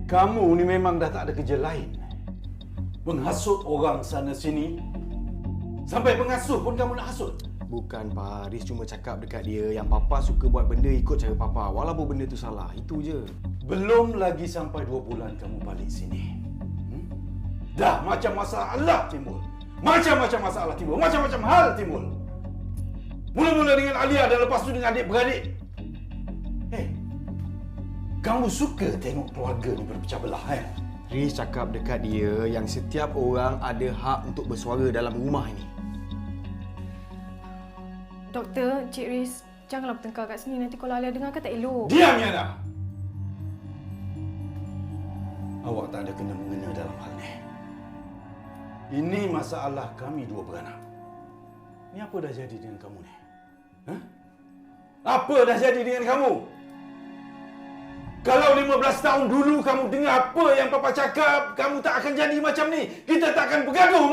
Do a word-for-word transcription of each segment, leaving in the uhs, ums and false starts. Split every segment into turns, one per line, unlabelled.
Kamu ni memang dah tak ada kerja lain. Menghasut orang sana sini. Sampai pengasuh pun kamu nak hasut.
Bukan, Pak. Riz cuma cakap dekat dia yang Papa suka buat benda ikut cara Papa. Walaupun benda tu salah. Itu je.
Belum lagi sampai dua bulan kamu balik sini. Hmm? Dah macam masalah timbul. Macam-macam masalah timbul. Macam-macam hal timbul. Mula-mula dengan Alia dan lepas tu dengan adik-beradik. Hei, kamu suka tengok keluarga ni berpecah belah, kan?
Riz cakap dekat dia yang setiap orang ada hak untuk bersuara dalam rumah ini.
Doktor, Cik Riz, janganlah bertengkar kat sini. Nanti kalau Alia dengar kan tak elok.
Diam, Yana! Awak tak ada kena-mengena dalam hal ni. Ini masalah kami dua beranak. Ni apa dah jadi dengan kamu ni? Hah? Apa dah jadi dengan kamu? Kalau lima belas tahun dulu kamu dengar apa yang Papa cakap, kamu tak akan jadi macam ni. Kita tak akan bergaduh.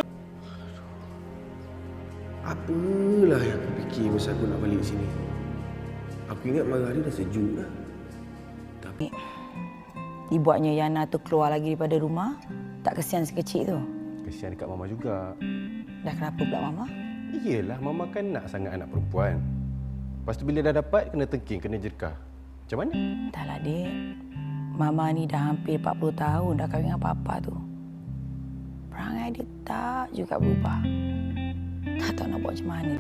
Apalah yang aku fikir masa aku nak balik sini. Aku ingat marah dia dah sejuk dah. Tapi
dibuatnya Yana tu keluar lagi daripada rumah. Tak kesian si kecil tu?
Kesian dekat Mama juga.
Dah kenapa pula Mama?
Iyalah, Mama kan nak sangat anak perempuan. Lepas tu bila dah dapat, kena tengking, kena jerkah. Macam mana?
Dah lah, Dek. Mama ni dah hampir empat puluh tahun dah kahwin dengan Papa tu. Perangai dia tak juga berubah. Tak tahu nak buat macam mana.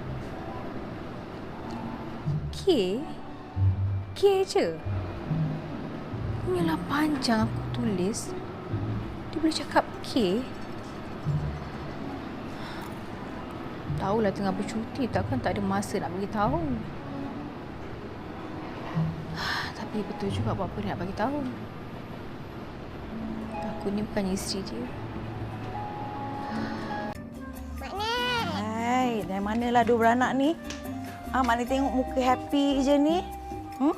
K? K je? Inilah panjang aku tulis. Dia boleh cakap K? Tahulah tengah bercuti, takkan tak ada masa nak bagi tahu. Tapi betul juga apa-apa dia nak bagi tahu. Aku ni bukannya isteri dia.
Hai, dari manalah dua beranak ni? Ah, Mak ni tengok muka happy je ni. Hmm?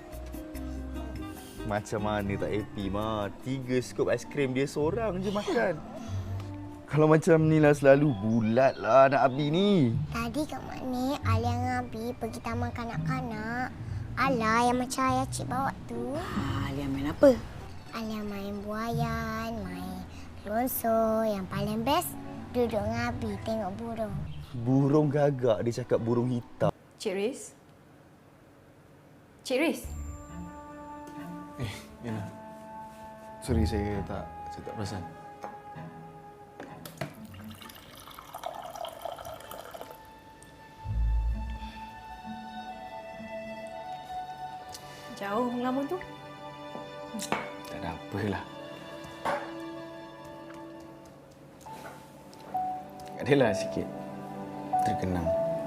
Macam mana tak happy, Ma? Tiga skop aiskrim dia seorang je makan. Kalau macam ni lah selalu, bulat lah anak Abi ni.
Tadi kat Mak Alia dengan Abi pergi taman kanak-kanak. Alah yang macam ayah cik bawa tu.
Ah, Alia main apa?
Alia main buayan, main lonso. Yang paling best, duduk dengan Abi tengok burung.
Burung gagak, dia cakap burung hitam.
Cik Riz? Cik Riz?
Eh, Yana. Sorry, saya tak saya tak perasan.
Jauh melamun tu?
Tak ada apalah. Adalah sikit terkenang.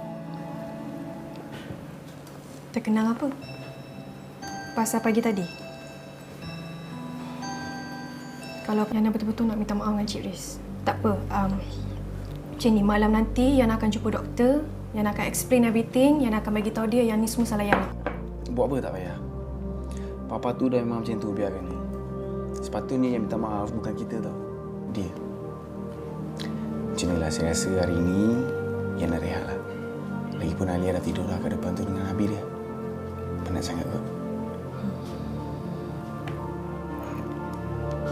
Terkenang apa? Pasal pagi tadi? Kalau Yana betul-betul nak minta maaf dengan Cik Riz, tak apa. Um, macam ni, malam nanti Yana akan jumpa doktor. Yana akan explain everything. Yana akan bagi tahu dia yang ni semua salah Yana.
Buat apa tak payah. Papa tu dah memang macam tu, biarkan dia. Sepatutnya yang minta maaf bukan kita tau. Dia. Macam inilah saya rasa hari ini Yana rehat lah. Lagipun Alia dah tidur lah kat depan tu dengan Abi dia. Penat sangat kot.